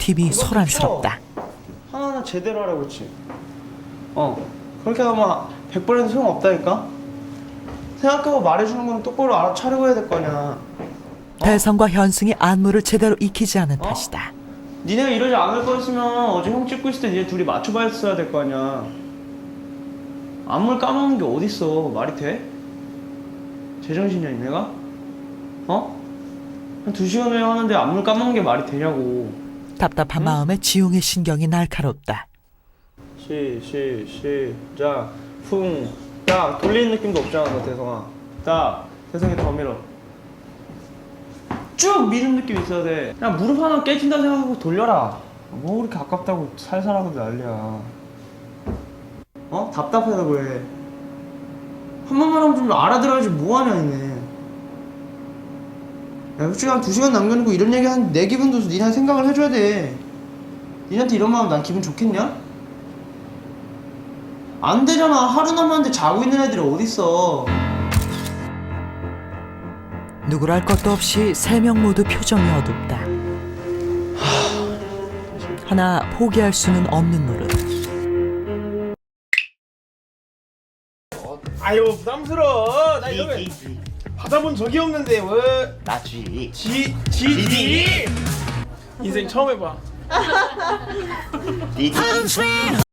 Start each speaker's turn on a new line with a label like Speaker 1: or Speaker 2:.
Speaker 1: 힘이 소란스럽다.
Speaker 2: 하나하나 제대로 하라고 그랬지. 그렇게 하면 100번에도 소용없다니까. 생각하고 말해주는 건 똑바로 알아차리고 해야 될 거 아니야.
Speaker 1: 대성과 현승이 안무를 제대로 익히지 않은 탓이다.
Speaker 2: 니네가 이러지 않을 거였으면 어제 형 찍고 있을 때 니네 둘이 맞춰봤어야 될 거 아니야. 안무를 까먹는 게 어딨어. 말이 돼? 제정신이야 니네가? 한 2시간 후에 하는데 안무를 까먹는 게 말이 되냐고.
Speaker 1: 답답한 마음에 지용의 신경이 날카롭다.
Speaker 2: 시작. 딱 돌리는 느낌도 없잖아 너 대성아. 딱 대성이 더 밀어. 쭉 미는 느낌 있어야 돼. 그냥 무릎 하나 깨진다 생각하고 돌려라. 뭐 그렇게 아깝다고 살살하고 난리야. 답답하다고 해. 한 번만 하면 좀 알아들어야지 뭐하냐 니네. 야 솔직히 한 2시간 남겨놓고 이런 얘기 한 내 기분도 니네 생각을 해줘야 돼. 니네한테 이런 마음 난 기분 좋겠냐? 안 되잖아. 하루 남았는데 자고 있는 애들이 어딨어.
Speaker 1: 누구랄 것도 없이 3명 모두 표정이 어둡다. 하나 포기할 수는 없는 노릇.
Speaker 3: 아유 부담스러워. 나 이러면 받아본 적이 없는데 왜?
Speaker 4: 나 G.
Speaker 3: GD 인생 처음 해봐.
Speaker 4: D.